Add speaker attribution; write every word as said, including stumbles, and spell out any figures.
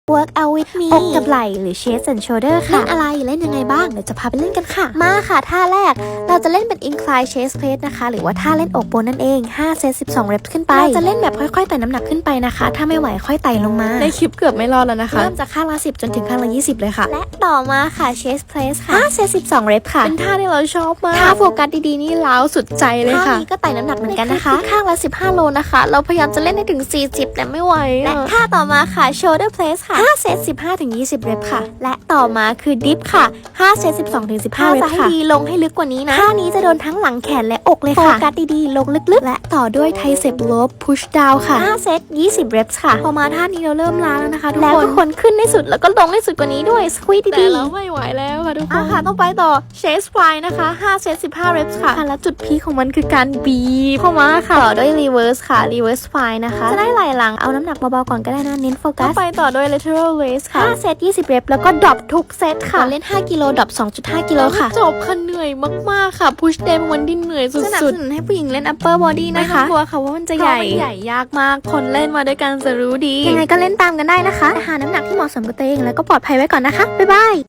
Speaker 1: work out with me อกกับไหล่หรือ chest and shoulder ค่ะเล่นอะไรเล่นยังไงบ้างเดี๋ยวจะพาไปเล่นกันค่ะมาค่ะท่าแรกเราจะเล่นเป็น incline chest press นะคะหรือว่าท่าเล่นอกบนนั่นเองห้าเซตสิบสอง reps ขึ้นไปเราจะเล่นแบบค่อยๆไต่น้ำหนักขึ้นไปนะคะถ้าไม่ไหวค่อยไต่ลงมา
Speaker 2: ในคลิปเกือบไม่รอดแล้วนะคะ
Speaker 1: เริ่มจากข้างละสิบจนถึงข้างละยี่สิบเลยค่ะและต่อมาค่ะ chest press ค่ะห้าเซตสิบสอง reps ค่ะ
Speaker 2: เป็นท่าที่เราชอบมาก
Speaker 1: ถ้าโฟกัสดีๆนี่ล้าวสุดใจเลยค่ะท่านี้ก็ไต่น้ำหนักเหมือนกันนะคะข้างละสิบห้าโลนะคะเราพยายามจะเล่นให้ถึงสี่สิบแต่ไม่ไหวและท่าต่อมาค่ะ shoulder press ค่ะห้าเซตสิบห้าถึงยี่สิบ reps ค่ะและต่อมาคือ dip ค่ะห้าเซตสิบสองถึงสิบห้า reps ค่ะจะให้ดีลงให้ลึกกว่านี้นะท่านี้จะโดนทั้งหลังแขนและอกเลยค่ะโฟกัสดีๆลงลึกๆและต่อด้วย tricep row push down ค่ะห้าเซตยี่สิบ reps ค่ะพอมาท่านี้เราเริ่มล้าแล้วนะคะทุกคนแล้วก็คนขึ้นให้สุดแล้วก็ลงให้สุดกว่านี้ด้วย squeeze ดีๆ
Speaker 2: แต่เราไม่ไหวแล้วค่ะทุกคน
Speaker 1: อ่ะค่ะต้องไปต่อ chest fly นะคะห้าเซตสิบห้า reps ค่ะและจุดพีคของมันคือการบีบเข้ามาค่ะต่อด้วย reverse ค่ะ reverse fly นะคะจะได้ไหล่หลังเอาน้ำหนักเบาๆก่อนก็ได้นะเน้นโฟกัส
Speaker 2: ไปต่อด้วย lateral raise ค่ะ
Speaker 1: ห้าเซตยี่สิบ reps แล้วก็ดรอปทุกเซตค่ะเล่นห้ากิโลดรอป สองจุดห้า กิโลค่ะ
Speaker 2: จบค่ะเหนื่อยมากๆค่ะ push day วันที่เหนื่อยสุดๆ
Speaker 1: สนับสนุนให้ผู้หญิงเล่น upper body นะคะ
Speaker 2: ไม่ต้องกลัวค่ะว่ามันจะใหญ่ใหญ่ยากมากคนเล่นมาด้วยกันจะรู้ดี
Speaker 1: ยังไงก็เล่นตามกันได้นะคะหาน้ำหนักที่เหมาะสมกับตัวเองแล้วก็ปลอดภัยไว้ก่อนนะคะบ๊ายบาย